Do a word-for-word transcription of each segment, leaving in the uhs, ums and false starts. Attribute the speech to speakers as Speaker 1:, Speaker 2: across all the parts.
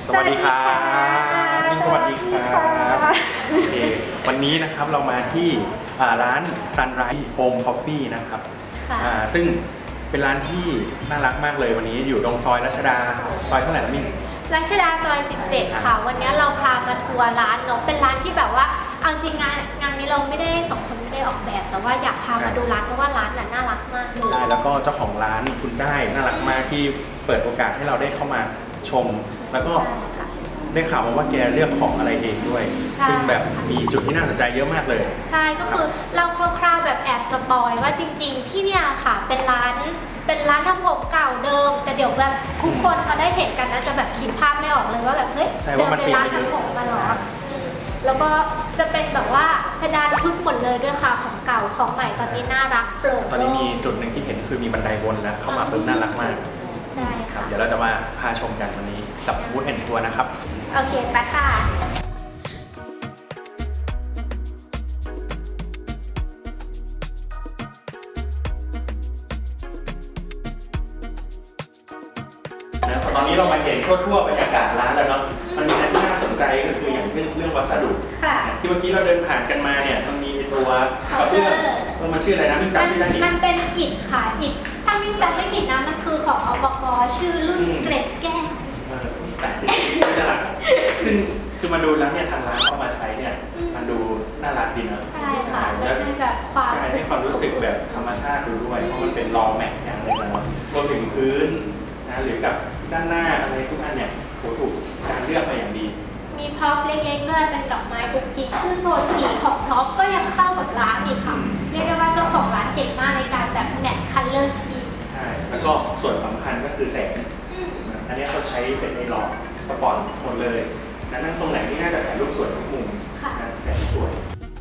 Speaker 1: สวัสดีครับนิ่งสวัสดีครับโอเควันนี้นะครับเรามาที่ร้าน Sunrise Home Coffee นะครับซึ่งเป็นร้านที่น่ารักมากเลยวันนี้อยู่ตรงซอยรัชดาซอยเท่าไหร่นะมิ่ง
Speaker 2: รัชดาซอยสิบเจ็ดค่ะวันนี้เราพามาทัวร์ร้านเนาะเป็นร้านที่แบบว่าเอาจริงงานงานนี้เราไม่ได้สองคนไม่ได้ออกแบบแต่ว่าอยากพามาดูร้านเพราะว่าร้านน่ะน่ารักมากเลย
Speaker 1: ใช่แล้วก็เจ้าของร้านคุณได้น่ารักมากที่เปิดโอกาสให้เราได้เข้ามาชมแล้วก็ได้ข่าวมาว่าแกเลือกของอะไรเองด้วยซึ่งแบบมีจุดที่น่าสนใจเยอะมากเลย
Speaker 2: ใช่ก็คือเราคร่าวๆแบบแอบสปอยว่าจริงๆที่เนี่ยค่ะเป็นร้านเป็นร้านทำผมเก่าเดิมแต่เดี๋ยวแบบทุกคนเขาได้เห็นกันนะจะแบบคิดภาพไม่ออกเลยว่าแบบเฮ้ยเดินเป็นร้านทำผมมาหรอแล้วก็จะเป็นแบบว่าเพดานทึบหมดเลยด้วยค่ะของเก่าของใหม่ตอนนี้น่ารักโปร่ง
Speaker 1: ตอนนี้มีจุดหนึ่งที่เห็นคือมีบันไดวนแล้วเข้ามาปุ๊บน่ารักมาก
Speaker 2: ใช่ค่ะ
Speaker 1: เดี๋ยวเราจะมาพาชมกันวันนี้กับบูธแอนด์ทัวร์นะครับ
Speaker 2: โอเคไปค่ะ
Speaker 1: ตอนนี้เรามาเห็นทั่วๆบรรยากาศร้านแล้วเนาะมันมีอะไรที่น่าสนใจก็คืออย่างเรื่องเรื่องวัสดุที่เมื่อกี้เราเดินผ่านกันมาเนี่ยมันมีตัวกระเบื้องมันชื่ออะไรนะมิ่งจำชื่อได้ไหม
Speaker 2: มันเป็นอิฐค่ะอิฐถ้ามิ่งจำไม่ผิดนะมันคือของอปก.ชื่อรุ่นเกร็ดแก้ว
Speaker 1: แต่น่ารักซึ่งคือมาดูแล้วเนี่ยทางร้านเข้ามาใช้เนี่ยมันดูน่ารักดีนะ
Speaker 2: ใช่ค่ะแล้วให้แบบความ
Speaker 1: ใช่ให้ความรู้สึกแบบธรรมชาติดูด้วยเพราะมันเป็นรองแม็กอย่างเลยนะรวมถึงพื้นนะหรือกับด้านหน้าอะไรทุกอันเนี่ยโหถูกการเลือกมาอย่างดี
Speaker 2: มีพ็อปเล็กๆด้วยเป็นดอกไม้กุ๊กกิ๊กซึ่งโทนสีของพ็อปก็ยังเข้ากับร้านอีกค่ะเรียกได้ว่าเจ้าของร้านเก่งมากในการแบบแมทคัลเลอร์สกี
Speaker 1: ใช่แล้วก็ส่วนสำคัญก็คือแสงอันนี้เขาใช้เป็นไอหลอดสปอตหมดเลยนั่งตรงไหนที่น่าจะถ่ายรูปสวยทุกมุมแสงสวย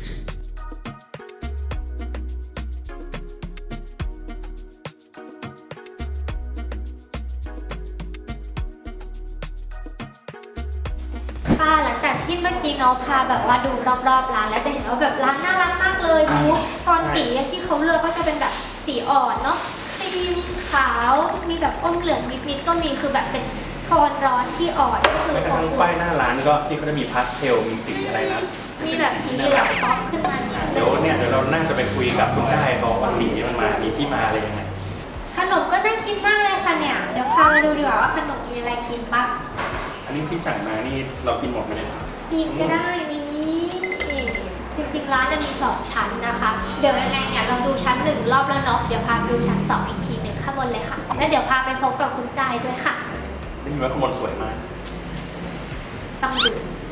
Speaker 2: ค่ะหลังจากที่เมื่อกี้น้องพาแบบว่าดูรอบๆร้านแล้วจะเห็นว่าแบบร้านน่ารักมากเลยมูฟตอนสีที่เขาเลือกก็จะเป็นแบบสีอ่อนเนาะครีมขาวมีแบบอมเหลืองนิดๆก็มีคือแบบเป็นโทนร้อนที่อ่อนก็คือ
Speaker 1: แม้กระทั่งป้ายหน้าร้านก็ที่เขาจะมีพาสเทลมีสีอะไรนะ
Speaker 2: มีแบบสีเหลืองป๊อปขึ้นมา
Speaker 1: เดี๋ยวเนี่ยเดี๋ยวเราน่าจะไปคุยกับคุณได้บอกว่าสีมันมามีที่มาอะไรยังไง
Speaker 2: ขนมก็น่ากินมากเลยค่ะเนี่ยเดี๋ยวพามาดูดีกว่าว่าขนมมีอะไรกินบ้าง
Speaker 1: อันนี้ที่สั่งมานี่เรากินหมดไหม
Speaker 2: กินก็ได้นี่จริงๆร้านจะมีสองชั้นนะคะเดี๋ยวยังไงเนี่ยเราดูชั้นหนึ่งรอบแล้วเนาะเดี๋ยวพาไปดูชั้นสองอีกทีหนึ่งข้างบนเลยค่ะแล้วเดี๋ยวพาไปพบกับคุณใจด้วยค่ะ
Speaker 1: นี่ว่าข้างบนสวยมาก
Speaker 2: ต้องดู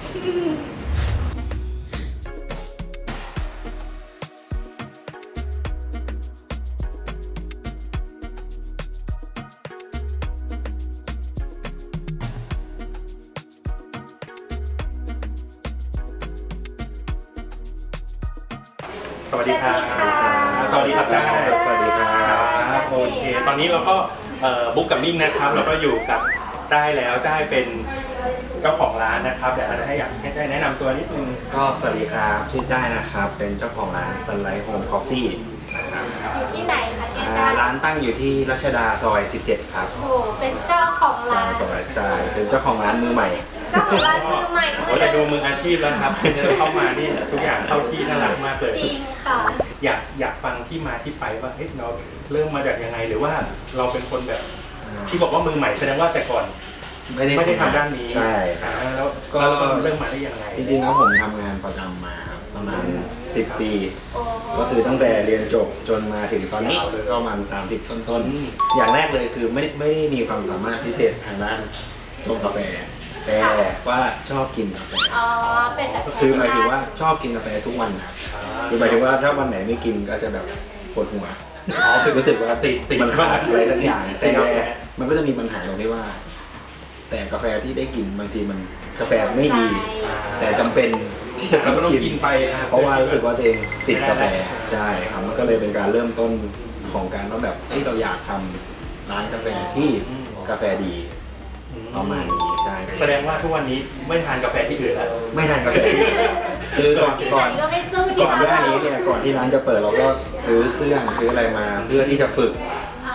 Speaker 1: สวัสดีครับสวัสดีครับจ้าสวัสดีครับโอเคตอนนี้เราก็บุ๊กกับมิ่งนะครับแล้วก็อยู่กับจ้ายแล้วจ้ายเป็นเจ้าของร้านนะครับเดี๋ยวจะให้อยากให้จ้ายแนะนำตัวนิดนึง
Speaker 3: ก็สวัสดีครับชื่อจ้ายนะครับเป็นเจ้าของร้าน Sunrise Home Coffee
Speaker 2: นะครับอยู่ที่ไหนคะเนี่ยจ้าย
Speaker 3: ร้านตั้งอยู่ที่รัชดาซอยสิบเจ็ดครับ
Speaker 2: โอ้เป็นเจ้าของร้าน
Speaker 3: ซอยใช่เป็นเจ้าของร้านมือใหม่
Speaker 2: เจ้าของร้านมือใหม่
Speaker 1: โอ้แต่ดูมืออาชีพแล้วครับเข้ามานี่ทุกอย่างเข้าที่น่ารักมากเลย
Speaker 2: จริงค่ะ
Speaker 1: อยากอยากฟังที่มาที่ไปว่าเฮ้ยเราเริ่มมาจากยังไงหรือว่าเราเป็นคนแบบที่บอกว่ามือใหม่แสดงว่าแต่ก่อนไม่ได้ไม่ได้ทำด้านนี้
Speaker 3: ใช่
Speaker 1: แล้วก็เริ่มมาได้ยังไง
Speaker 3: จริงๆแล้วผมทำงานประจำมาครับประมาณสิบปีก็คือตั้งแต่เรียนจบจนมาถึงตอนนี้ก็ประมาณสามสิบต้นๆอย่างแรกเลยคือไม่ไม่ได้มีความสามารถพิเศษทางด้านชงกาแฟแต่ว่าชอบกินกาแฟ
Speaker 2: อ๋อเป็นแบบ
Speaker 3: คือหมายถึงว่าชอบกินกาแฟทุกวันครับคือหมายถึงว่าถ้าวันไหนไม่กินก็จะแบบปวดหัวอ๋อคือรู้สึกว่าติดติดมันขาดอะไรสักอย่างแต่มันก็จะมีปัญหาตรงที่ว่าแต่กาแฟที่ได้กินบางทีมันกาแฟไม่ดีแต่จำเป็นที่จะต้องกินไปเพราะว่ารู้สึกว่าตัวเองติดกาแฟใช่ครับมันก็เลยเป็นการเริ่มต้นของการว่าแบบที่เราอยากทำร้านกาแฟที่กาแฟดีประมาณนี้ใช่
Speaker 1: แสดงว่าทุกวันนี้ไม่ทานกาแฟที่อื่นแล้ว
Speaker 3: ไม่ทานกาแฟคือก่อนก่อนก่อนหน้านี้เนี่ยก่อนที่ร้านจะเปิดเราก็ซื้อเครื่องซื้ออะไรมาเพื่อที่จะฝึก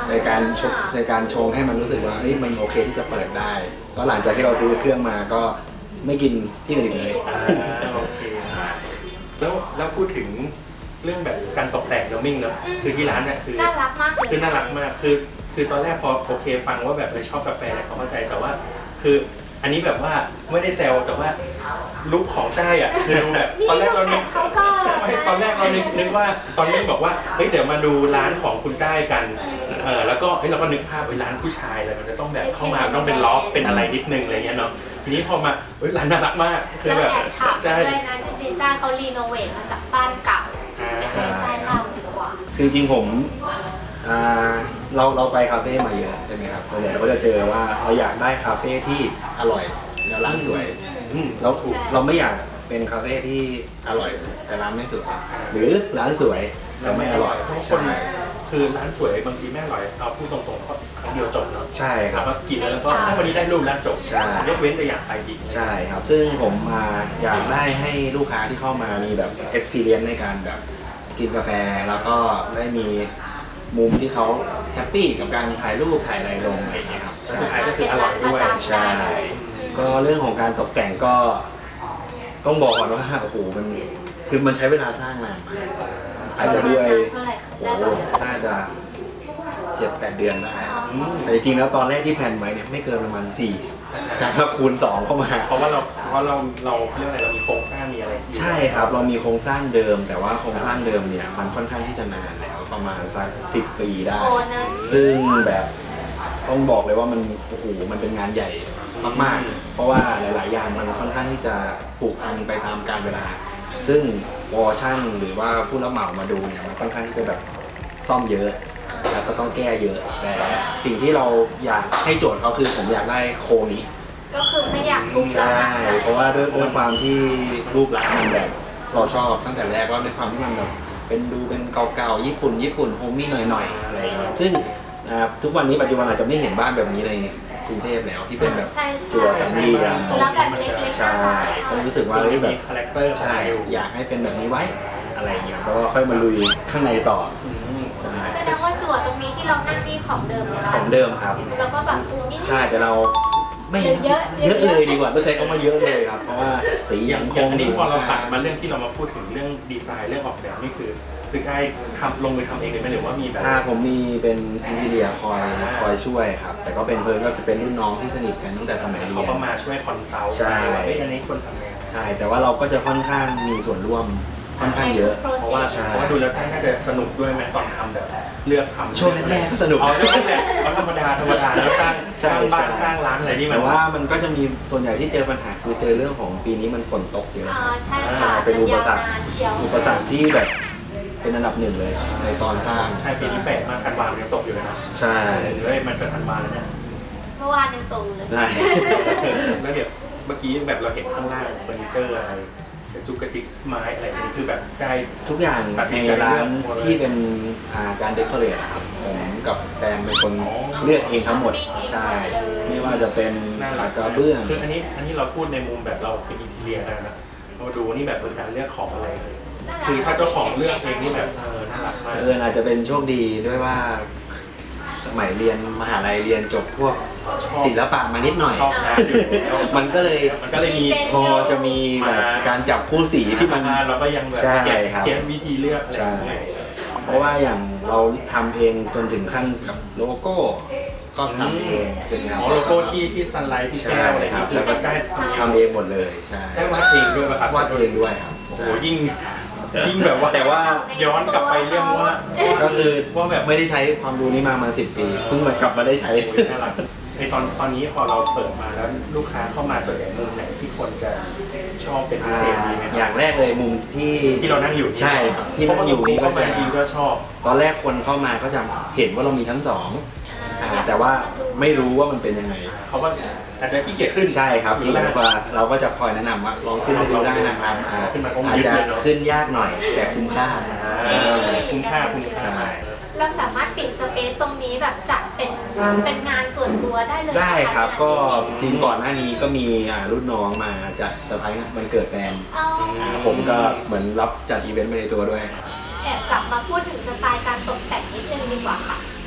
Speaker 3: ในการชงในการชงให้มันรู้สึกว่าเฮ้ยมันโอเคที่จะเปิดได้ก็หลังจากที่เราซื้อเครื่องมาก็ไม่กินที่อื่นอีกเลย
Speaker 1: อ่าโอเคแล้วแล้วพูดถึงเรื่องแบบการตกแต่งเดลมิ่งเนอะคือที่ร้านเนี่ยคือ
Speaker 2: น่ารักมากเลย
Speaker 1: คือน่ารักมากคือคือตอนแรกพอโอเคฟังว่าแบบไม่ชอบกาแฟเนี่ยเขาเข้าใจแต่ว่า คืออันนี้แบบว่าไม่ได้แซวแต่ว่าลุคของจ้ายอ่ะคือดูแบบตอนแรกเรานึก
Speaker 2: เขาก็
Speaker 1: ไม่ตอนแรกเรานึกนึกว่าตอนนี้บอกว่าเฮ้ยเดี๋ยวมาดูร้านของคุณจ้ายกันเออแล้วก็เฮ้ยเราก็นึกภาพไปร้านผู้ชายเลยมันจะต้องแบบเข้ามาต้องเป็นล็อกเป็นอะไรนิดนึงอะไรเงี้ยเนาะทีนี้พอมาเฮ้ยร้านน่ารักมากคือ
Speaker 2: แล้ว
Speaker 1: แบบ
Speaker 2: แอบถาม
Speaker 1: ใช่
Speaker 2: ด้วยนะจริงๆจ้าเขารีโนเวทมาจากบ้านเก่า
Speaker 1: อ่า
Speaker 2: ไม่ใช่จ้าเล่าดีกว่า
Speaker 3: คือจริงๆผมอ่าเราเราไปคาเฟ่มาเยอะใช่ไหมครับส่วนใหญ่เราก็จะเจอว่าเราอยากได้คาเฟ่ที่อร่อยแล้วร้านสวย
Speaker 1: อืม
Speaker 3: เราเราไม่อยากเป็นคาเฟ่ที่อร่อยแต่ร้านไม่สวยหรือร้านสวยแต่ไม่อร่อย
Speaker 1: เพราะคน
Speaker 3: ใช่
Speaker 1: คือร้านสวยบางทีไม่อร่อยเอาพูดตรงๆก็ครั้งเดียวจบเนาะ
Speaker 3: ใช่ค
Speaker 1: แล้
Speaker 3: รั
Speaker 1: ว
Speaker 3: บ
Speaker 1: ก็กินแล้วก็ถ้าวันนี้ได้รูปแล้วจบ
Speaker 3: ใช่
Speaker 1: ยกเว้นแต่อยากไปอีก
Speaker 3: ใช่ครับ ซึ่งผมมาอยากได้ให้ลูกค้าที่เข้ามามีแบบ experience ในการแบบกินกาแฟแล้วก็ได้มีมุมที่เขาแฮปปี้กับการถ่ายรูปถ่ายอะไรลงอะไรอย่างเงี้ยครับ
Speaker 1: สุดท้ายก็คืออร่อยด้วย
Speaker 3: ใช่ ก็เรื่องของการตกแต่งก็ต้องบอกก่อนว่าโอ้โหมันคือมันใช้เวลาสร้างนานมากอาจจะด้วย
Speaker 2: เท่าไหร่
Speaker 3: โอ้
Speaker 2: ได้
Speaker 3: โห
Speaker 2: ปะ
Speaker 3: น่าจะเจ็ดแปดเดือนได้
Speaker 1: อืม
Speaker 3: แต่จริงๆแล้วตอนแรกที่แพลนไว้เนี่ยไม่เกินประมาณสี่การถ้าคูณสองเข้ามา
Speaker 1: เพราะว่าเราเพราะเราเราเรื่องอะไรเรามีโครงสร้างมีอะไรที่
Speaker 3: ใช่ครับเรามีโครงสร้างเดิม แต่ว่าโครงสร้างเดิมเนี่ยมันค่อนข้างที่จะนานแล้วประมาณสักสิบปีได้
Speaker 2: โอ้นะ
Speaker 3: ซึ่งแบบต้องบอกเลยว่ามันโอ้โหมันเป็นงานใหญ่มากๆ เพราะว่าหลาย ๆ อย่างมันค่อนข้างที่จะผูกพันไปตามกาลเวลา ซึ่งวอร์ชั่นหรือว่าผู้รับเหมามาดูเนี่ยมันค่อนข้างที่จะแบบซ่อมเยอะ แล้วก็ต้องแก้เยอะ แต่สิ่งที่เราอยากให้โจทย์เขาคือผมอยากได้โครงนี้
Speaker 2: ก็คือไม่อยากทุบแล้ว
Speaker 3: ใช่
Speaker 2: สักหน่อย
Speaker 3: เพราะว่าด้วยด้วยความที่รูปลักษณ์มันแบบเราชอบตั้งแต่แรกว่าด้วยความที่มันแบบเป็นดูเป็นเก่าๆญี่ปุ่นญี่ปุ่นโฮมมี่หน่อยๆอะไรอย่างเงี้ยซึ่งอ่าทุกวันนี้ปัจจุบันอาจจะไม่เห็นบ้านแบบนี้ในกรุงเทพแล้วที่เป็นแบบ
Speaker 2: ใช่ใช่
Speaker 3: จั่วสามเหลี่ยม
Speaker 2: แล้วแบบเล็กๆ
Speaker 3: ใช่ก็รู้สึกว่าเฮ้ยแบ
Speaker 1: มี
Speaker 3: บ
Speaker 1: คาแรคเตอร์
Speaker 3: ใช่อยากให้เป็นแบบนี้ไว้อะไรอย่างเงี้ยแล้วก็ค่อยมาลุยข้างในต่อใช่
Speaker 2: แสดงว่าจั่วตรงนี้ที่เรานั่งนี่ของเดิมเลย
Speaker 3: ของเดิมครับ
Speaker 2: แล้วก็แบบปรุงนิด
Speaker 3: ใช่แต่เราไม่
Speaker 2: เยอะ
Speaker 3: เยอะเลยดีกว่าต้องใช้คำว่าเยอะเลยครับเพราะว่าสี
Speaker 1: อ
Speaker 3: ยั
Speaker 1: ย่าง
Speaker 3: งค
Speaker 1: อย่าง
Speaker 3: ง
Speaker 1: อันนี้พอเราตัดมาเรื่องที่เรามาพูดถึงเรื่องดีไซน์เรื่องออกแบบนี่คือคือใกล้ทำลงมือทำเองเลยไหมหรือว่ามีแบบ
Speaker 3: ถ้าผมมีเป็นแอนติเลียคอยคอยช่วยครับ แต่ก็เป็นเพื่อนก็จะเป็นรุ่นน้องที่สนิทกันตั้งแต่สมัยเรี
Speaker 1: เขา
Speaker 3: ยน
Speaker 1: ก็มาช่วยคอนซัลท์
Speaker 3: ใช่
Speaker 1: ว่าเฮ้ยอันนี้ควรทำไง
Speaker 3: ใช่ แต่ว่าเราก็จะค่อนข้างมีส่วนร่วมค่อนข้างเยอะ
Speaker 1: เพราะว่า
Speaker 3: ใช่
Speaker 1: เพราะว่าดูแล้วท่านน่าจะสนุกด้วยไหมตอนทำแบบเลือกทำ
Speaker 3: ช่วงแรกๆก็สนุก
Speaker 1: เอาช่วงแรกๆเอาธรรมดาธรรมดาแล้วสร้างส
Speaker 3: ใช่
Speaker 1: ร้างบ้าน
Speaker 3: ใช่
Speaker 1: สร้างร้านอะไรนี่มั
Speaker 3: แต่
Speaker 1: น
Speaker 3: ว่ามันก็จะมีส่วนใหญ่ที่เจอปัญหาคือเจอเรื่องของปีนี้มันฝนตกเยอะ
Speaker 2: อ่าใช่ค่ะ
Speaker 3: เป็นอุปสรรค
Speaker 2: มันยาวนานเชียว
Speaker 3: อุปสรรคที่แบบเป็นอันดับหนึ่งเลยในตอนสร้าง
Speaker 1: ใช่ปีที่แปดมาคันวานยังตกอยู่เลยนะ
Speaker 3: ใช่
Speaker 1: เฮ้ยมันจะคันวานแล้วเนี่ย
Speaker 2: เมื่อวานยังตรงเลย
Speaker 3: ใช่
Speaker 1: แล้วเดี๋ยวเมื่อกี้แบบเราเห็นข้างล่างเฟอร์นิเจอร์อะไรกระจุกกระจิกไม้อะไรนี่คือแบบใกล้
Speaker 3: ทุกอย่าง
Speaker 1: ตัดสิ
Speaker 3: ใน
Speaker 1: นใจ
Speaker 3: ร้า
Speaker 1: เลื
Speaker 3: น
Speaker 1: อกหมดเลย
Speaker 3: ที่เป็นอ่าการเดคอเรทอะครับผมกับแฟนเป็นคน
Speaker 1: อ๋อ
Speaker 3: เลือกเองทั้งหมดใช่ ไม่ว่าจะเป็น
Speaker 1: น่า
Speaker 3: ห
Speaker 1: รั
Speaker 3: ลั
Speaker 1: ก
Speaker 3: กกระเบื้อง
Speaker 1: คืออันนี้อันนี้เราพูดในมุมแบบเราเป็นอินเทียกันนะเราดูนี่แบบเป็นการเลือกของอะไรเลยคือถ้าเจ้าของเลือกเองนี่แบบเออน่ารักมาก
Speaker 3: เอออาจจะเป็นโชคดีด้วยว่าสมัยเรียนมหาลัยเรียนจบพวกศิลปะมานิดหน่อย
Speaker 1: ชอบงานอยู่แล้ว
Speaker 3: มันก็เลย
Speaker 1: มันก็เลยมี
Speaker 3: พอจะมีแบบการจับคู่สีที่มัน
Speaker 1: เราก็ยังแบบ
Speaker 3: ใช่
Speaker 1: เก็บ
Speaker 3: ครับ
Speaker 1: เก็บวิธีเลือกอะไรอย่างเงี้ย
Speaker 3: เพราะว่าอย่างเราทำเองจนถึงขั้นกับโลโก้ก็ทำเองจน
Speaker 1: อ๋อโลโก้ที่ที่ซันไลท์ที่แก้วอะไร
Speaker 3: ใช่ครับ
Speaker 1: ที่แบบใกล้
Speaker 3: ทำเองหมดเลยใช่
Speaker 1: ได้วาดเองด้วยป่ะครับ
Speaker 3: วาดเองด้วยครับ
Speaker 1: โอ้โหยิ่งยิ่งแบบว่าแต่ว่าย้อนกลับไปเรื่องว่า
Speaker 3: ก็คือ
Speaker 1: ว่าแบบ
Speaker 3: ไม่ได้ใช้ความรู้นี้มามาสิบปีเพิ่งมากลับมาได้ใช้
Speaker 1: โอ้ยน่ารักในตอนตอนนี้พอเราเปิดมาแล้วลูกค้าเข้ามาส่วนใหญ่มุมไหนที่คนจะชอบเป็นพิเศษดีไหมค
Speaker 3: อย่า
Speaker 1: รับ
Speaker 3: งแรกเลยมุมที่
Speaker 1: ที่เรานั่งอยู่
Speaker 3: ใช่ครับที่นั่งอยู่นี่
Speaker 1: เพ
Speaker 3: ก็
Speaker 1: ราะว่า
Speaker 3: จะ
Speaker 1: จริงๆก็ชอบ
Speaker 3: ตอนแรกคนเข้ามาก็จะเห็นว่าเรามีชั้นสองอ่าแต่ว่าไม่รู้ว่ามันเป็นยังไง
Speaker 1: เขาว่าอาจจะขี้เกียจขึ้น
Speaker 3: ใช่ครับ
Speaker 1: หรื
Speaker 3: ที่
Speaker 1: อ
Speaker 3: เรา
Speaker 1: ว่า
Speaker 3: ก็เราก็จะคอยแนะนำว่าลองขึ้นไปดูได้นะครับอ่า
Speaker 1: ขึ้นมาก็
Speaker 3: อาจ
Speaker 1: ยึด
Speaker 3: จะ
Speaker 1: เลยเนอะ
Speaker 3: ขึ้นยากหน่อยแต่คุ้มค่า
Speaker 1: อ่าคุ้มค่าคุ้มค่า
Speaker 2: เราสามารถปิดสเปซตรงนี้แบบจัดเป็นเป็นงานส่วนตัวได้เลย
Speaker 3: ได้ครับ
Speaker 2: นะะ
Speaker 3: ก็
Speaker 2: จริง
Speaker 3: จริงก่อนหน้านี้ก็มีอ่ารุ่นน้องมาจัดเซอร์ไพรส์วันเกิดแฟน
Speaker 2: ๆเอา
Speaker 3: อ่าผมก็เหมือนรับจัดอีเวนต์ไปในตัวด้วย
Speaker 2: แอบกลับมาพูดถึงสไตล์การตกแต่งนิดนึงดีกว่าค่ะ คือหมายถึง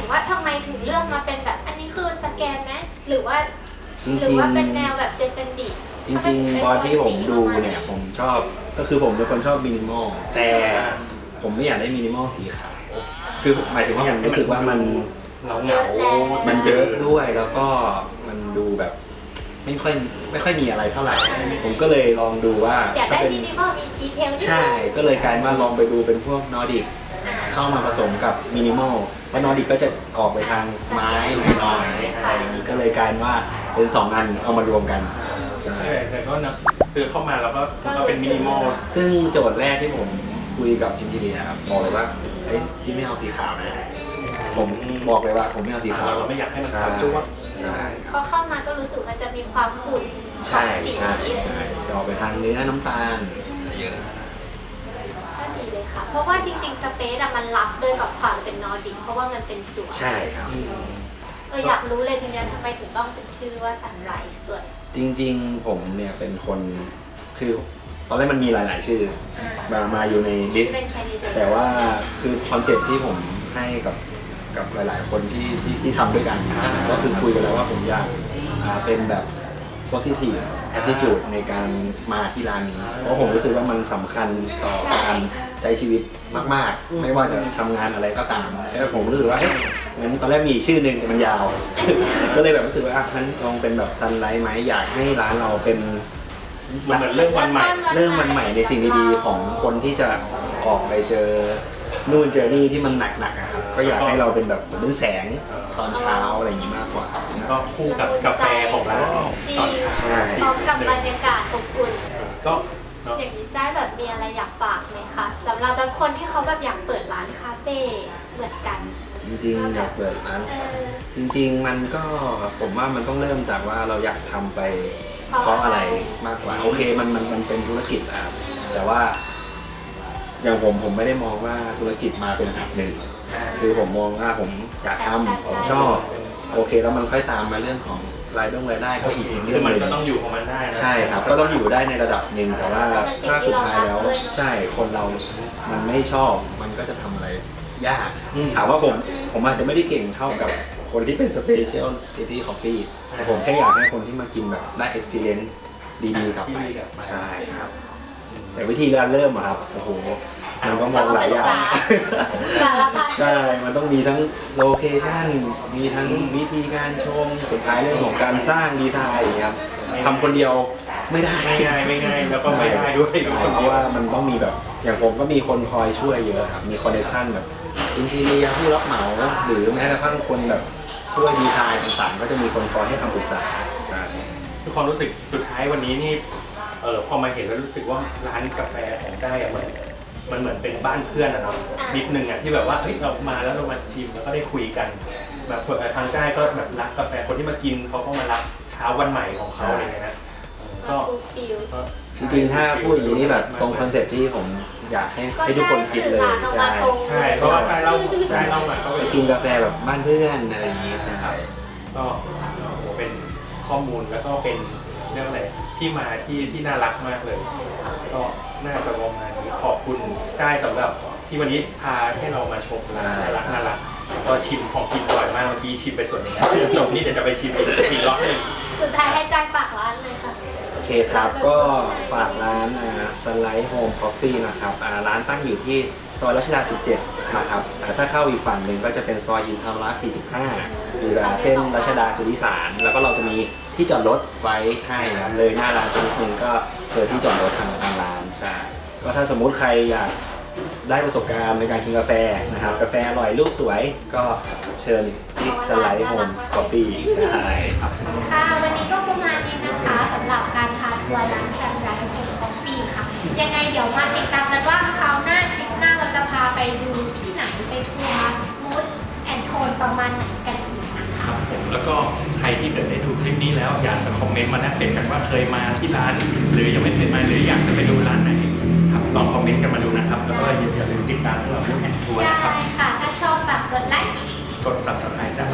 Speaker 2: ว่าทำไมถึงเลือกมาเป็นแบบอันนี้คือสแกนไหมหรือว่า
Speaker 3: จริงๆ
Speaker 2: หรือว่าเป็นแนวแบบเจเตนดิ
Speaker 3: จริงๆตอนที่ผมดูเนี่ยผมชอบก็คือผมเป็นคนชอบมินิมอลแต่ผมไม่อยากได้มินิมอลสีขาวคือหมายถึงว่าผมรู้สึกว่ามัน
Speaker 1: เหงาเหงา
Speaker 3: มันเยอะด้วยแล้วก็มันดูแบบไม่ค่อยไม่ค่อยมีอะไรเท่าไหร่ ผมก็เลยลองดูว่า
Speaker 2: อยากได้
Speaker 3: ถ้าเป็น
Speaker 2: มินิมอลมีดีเทล
Speaker 3: ใช่ก็เลยกลายมาลองไปดูเป็นพวกนอร์ดิกเข้ามาผสมกับมินิมอลเพราะนอร์ดิกก็จะออกไปทางไม้หน่อยๆอะไรอย่างนี้ก็เลยกลายว่าเป็นสองอันเอามารวมกันใช่
Speaker 1: แต่ก็นะคือเข้ามาแล้วก็ก็เป็นมินิมอล
Speaker 3: ซึ่งโจทย์แรกที่ผมคุยกับอินทีเรียครับบอกเลยว่าเฮ้ยพี่ไม่เอาสีขาวนะผมบอกเลยว่าผมไม่เอาสีขาว
Speaker 1: เราไม่อยากให้มัน
Speaker 3: ใช่
Speaker 1: ขาวจุ๊บ
Speaker 3: ใช่ค
Speaker 2: พ
Speaker 3: รั
Speaker 2: อบ เข้ามาก็รู้สึกมันจะมีความขุ่นข
Speaker 3: ใช่
Speaker 2: องสี
Speaker 3: ใช่ใช่จะออกไปทางเนื้อน้ำตาลเยอะ
Speaker 2: ก็ดีเลยค่ะ เพราะว่าจริงๆสเปซอะมันรับด้วยกับความเป็นนอร์ดิกเพราะว่ามันเป็นจั่ว
Speaker 3: ใช่ครับ
Speaker 2: เอออยากรู้เลยทีเนี้ยทำไมถึงต้องเป็นชื่อว่า Sunrise ด้วย
Speaker 3: จริงๆผมเนี่ยเป็นคนคือตอนแรกมันมีหลาย ๆ ชื่อมามาอยู่ในลิสต์
Speaker 2: เป็นแคนดิเดต
Speaker 3: แต่ว่าคือคอนเซ็ปต์ที่ผมให้กับกับหลาย ๆ คนที่ที่ที่ทำด้วยกันก็คือคุยกันแล้วว่าผมอยากอ่าเป็นแบบ positive attitude ในการมาที่ร้านนี้ เพราะผมรู้สึกว่ามันสำคัญต่อการใช้ชีวิตมาก ๆ ไม่ว่าจะทำงานอะไรก็ตามแล้วผมรู้สึกว่าเอ๊ะงั้นตอนแรกมีอีกชื่อหนึ่งแต่มันยาว ก็เลยแบบรู้สึกว่าอ่ะงั้นลองเป็นแบบซันไลท์ไหมอยากให้ร้านเราเป็น
Speaker 1: มันเหมือนเริ่มวันใหม่
Speaker 3: เริ่มวันใหม่ในสิ่งดีๆของคนที่จะออกไปเจอนู่นเจอนี่ที่มันหนักๆอะครับก็อยากให้เราเป็นแบบเหมือนเป็นแสงตอนเช้าอะไรอย่างนี้มากกว่า
Speaker 1: ก็คู่กับกาแฟของร้านตอนเช้า
Speaker 3: ใช่
Speaker 2: พร้อมกับบรรยากาศอบอุ่น
Speaker 1: ก็เนาะ
Speaker 2: อย่างนี้ได้แบบมีอะไรอยากฝากไหมคะสำหรับแบบคนที่เขาแบบอยากเปิดร้านคาเฟ่เหมือนกัน
Speaker 3: จริงๆอยากเปิดร้าน
Speaker 2: เออ
Speaker 3: จริง ๆ มันก็ผมว่ามันต้องเริ่มจากว่าเราอยากทำไป
Speaker 2: เพราะ
Speaker 3: เพราะอะไรมากกว่าโอเคมันมันมันเป็นธุรกิจอะครับแต่ว่า อย่างผมผมไม่ได้มองว่าธุรกิจมาเป็นอันดับหนึ่งคือผมมองว่าผมอยากทำผมชอบโอเคแล้วมันค่อยตามมาเรื่องของรายได้รายได้ก็อีกเรื่
Speaker 1: คือ อง
Speaker 3: ห
Speaker 1: มัน
Speaker 3: นึ่ง
Speaker 1: ก็ต้องอยู่ของมันได้นะ
Speaker 3: ใช่ครับก็ต้องอยู่ได้ในระดับหนึ่งแต่ว่าถ้าสุดท้ายแล้วใช่คนเรามันไม่ชอบมันก็จะทำอะไรยากถามว่าผมผมอาจจะไม่ได้เก่งเท่ากับคนที่เป็น Special City Coffee แต่ผมแค่อยากให้คนที่มากินแบบได้ experience ดีๆกลับไปใช่ครับแต่วิธีการเริ่มอะครับโอ้โหมันก็มองหลายอย่าง
Speaker 2: สารพัด
Speaker 3: ใช่ มันต้องมีทั้งโลเคชั่น มีทั้งวิธีการชม สุดท้ายเรื่องของการสร้างดีไซน์อย่างเงี้ยครับทำคนเดียวไม่ได้
Speaker 1: ไม่ง่ายไม่ง่ายแล้วก็ไม่ได้ด้วย
Speaker 3: เพราะว่ามันต้องมีแบบ อย่างผมก็มีคนคอยช่วยเยอะครับ มีคอนเนคชั่นแบบอินทีเรียผู้รับเหมา หรือแม้กระทั่งคนแบบช่วยดีไซน์ต่างๆ ก็จะมีคนคอยให้คำปรึกษาใช่
Speaker 1: ทุกความรู้สึกสุดท้ายวันนี้นี่เออพอมาเห็นแล้วรู้สึกว่าร้านกาแฟของได้อะเหมือนมันเหมือนเป็นบ้านเพื่อนอะเนาะนิดนึงอะที่แบบว่าเฮ้ยเรามาแล้วเรามาชิมแล้วก็ได้คุยกันแบบทางใต้ก็แบบรักกาแฟคนที่มากินเขาก็มารักเช้าวันใหม่ของเขาอะไรเงี้ยนะ
Speaker 2: ก็
Speaker 1: ก็
Speaker 2: ฟูลฟิล
Speaker 1: ก็
Speaker 3: จริงๆ ถ้าพูดอย่างนี้นี่แบบตรงคอนเซ็ปต์ที่ผมอยากให้ให้ทุกคนคิดเลย
Speaker 2: ก็ได้สื่อสารออกมาตรง
Speaker 1: ใช่เพราะว่าใต้เราใต้เราอะก็
Speaker 3: ไป
Speaker 1: เป็น
Speaker 3: กินกาแฟแบบบ้านเพื่อนอะไรอย่างนี้ใช่
Speaker 1: ก็เป็นข้อมูลแล้วก็เป็นเรื่องอะไรที่มาที่ที่น่ารักมากเลย ก็น่าจะประมาณนี้ขอบคุณได้สำหรับที่วันนี้พาให้เรามาชมร้านน่ารักน่ารักก็ชิมของกินอร่อยมากเมื่อกี้ชิมไปส่วนหนึ่งแล้วจบนี่เดี๋ยวจะไปชิมอีกอีกรอบหนึ่ง
Speaker 2: สุดท้ายให้จ่ายฝากร้านเลยค่ะ
Speaker 3: โอเคครับก็ฝากร้านสไลด์โฮมคอฟฟี่นะครับอ่าร้านตั้งอยู่ที่ซอยรัชดาสิบเจ็ดนะครับอ่าถ้าเข้าอีกฝั่งหนึ่งก็จะเป็นซอยอินทราสี่สิบห้าอยู่เส้นรัชดาสุริสารแล้วก็เราจะมีที่จอดรถไว้ให้ครับเลยหน้าร้านตรงนึงก็เจอที่จอดรถทางทางร้านใช่ก็ถ้าสมมุติใครอยากได้ประสบการณ์ในการกินกาแฟนะครับกาแฟอร่อยรูปสวยก็เชิญที่สไลด์โฮมคอฟฟี่ใช่ครับ
Speaker 2: ค่ะวันนี้ก็ประมาณนี้นะคะสำหรับการพาทัวร์ร้านแซมไดโฮมคอฟฟี่ค่ะยังไงเดี๋ยวมาติดตามกันว่าคราวหน้าคลิปหน้าเราจะพาไปดูที่ไหนไปทัวร์มูดแอนโทนประมาณไหนกันอีกนะคะ
Speaker 1: ครับผมแล้วก็ใครที่เกิดได้ดูคลิปนี้แล้วอยากจะคอมเมนต์มาแลกเปลี่ยนกันว่าเคยมาที่ร้าน หรือยังไม่เคยมาหรืออยากจะไปดูร้านไหนครับลองคอมเมนต์กันมาดูนะครับแล้วก็อย่าลืมติดตามพวกเราด้วยแอนทัวร์
Speaker 2: ได้
Speaker 1: นะครับ
Speaker 2: ค่ะ ถ้าชอบฝากกดไลค์
Speaker 1: กด ซับสไครบ์ ได้